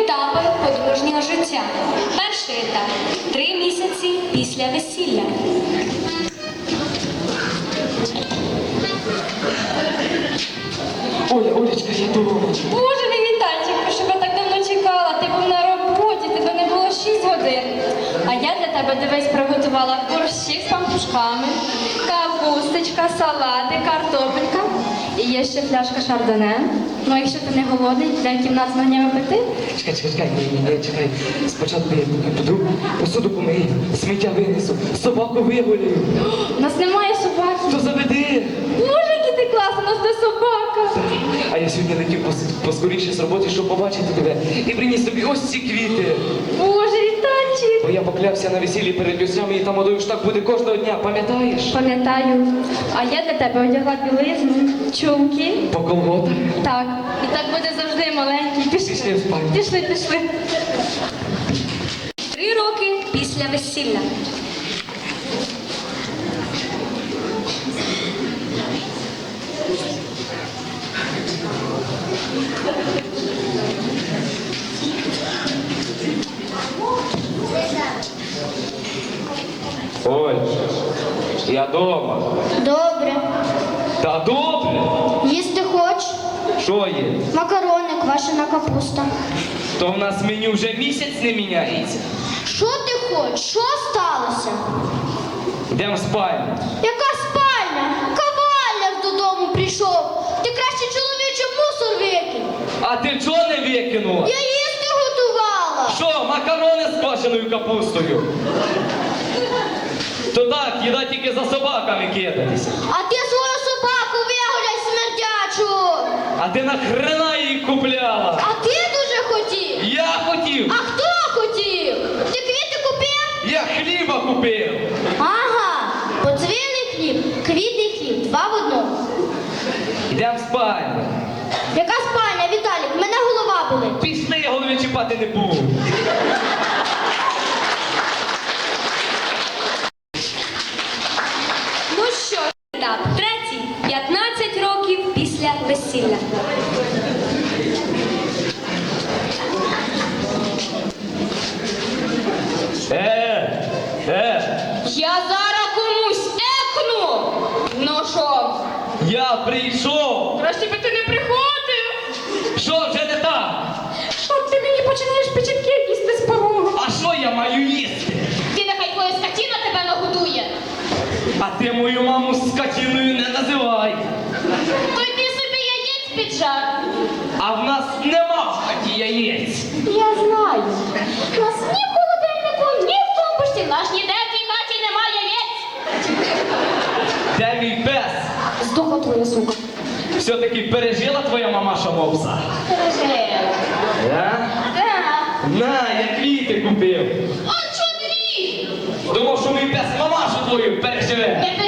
Етапи подружнього життя. Перший етап – 3 місяці після весілля. Олечка, я дома. Боже мій Вітальчик, що я так давно чекала. Ти був на роботі, тебе не було 6 годин. А я для тебе, дивись, приготувала борщик з пампушками, капусточка, салати, картопелька. І є ще пляшка шардоне. Ну, якщо ти не голодний, дай кімнат з вогнями пити. Чекай, чекай. Спочатку я піду, посуду помию, сміття винесу, собаку вигулюю. У нас немає собаки. То заведи. Боже, який ти класний, у нас де собака. А я сьогодні летів поскоріше з роботи, щоб побачити тебе. І приніс тобі ось ці квіти. Боже, Вітальчик. Бо я поклявся на весіллі перед люсями, і там одою ж так буде кожного дня, пам'ятаєш? Пам'ятаю. А я для тебе одягла білизну, чулки. По колготах. Так. І так буде завжди маленький. Пішли в спальню. Пішли. 3 роки після весілля. Оль, я дома. Добре. Та добре. Їсти хоч? Що є? Макарони, квашена капуста. То в нас меню вже місяць не міняється. Що ти хочеш? Що сталося? Йдемо в спальню. Яка спальня? Кавалер додому прийшов. Ти краще чоловічий мусор викинь. А ти чого не викинула? Я їсти готувала. Що, макарони з квашеною капустою? То так, їда тільки за собаками кидатися. А ти свою собаку вигуляй смердячу. А ти нахрена її купляла? А ти дуже хотів. Я хотів. А хто хотів? Ти квіти купив? Я хліба купив. Ага, подзвіний хліб, квітний хліб, 2 в 1. Йдемо в спальню. Яка спальня, Віталік? В мене голова болить. Пішли, я голові чіпати не буду. Ну що ж, етап третій. 15 років після весілля. Я зараз комусь екну. Ну що? Я прийшов. Краще би ти не приходив. Що вже не так? Що ти мені починаєш печінки їсти з порогу? А що я маю їсти? Ти нехай твоя скотина тебе нагодує. А ти мою маму скотіною не називай. То йди собі яєць піджар. А в нас нема в хаті яєць. Я знаю. У нас ні в холодильнику, ні в тумбочці. В наш ніде в цій хаті немає яєць. Де мій пес? Здохла твоя сука. Все-таки пережила твоя мамаша мопса? Пережив. Да? Так. На, я квіти купив. А чого дві? Думав, що мій пес мамашу твою переживе. Не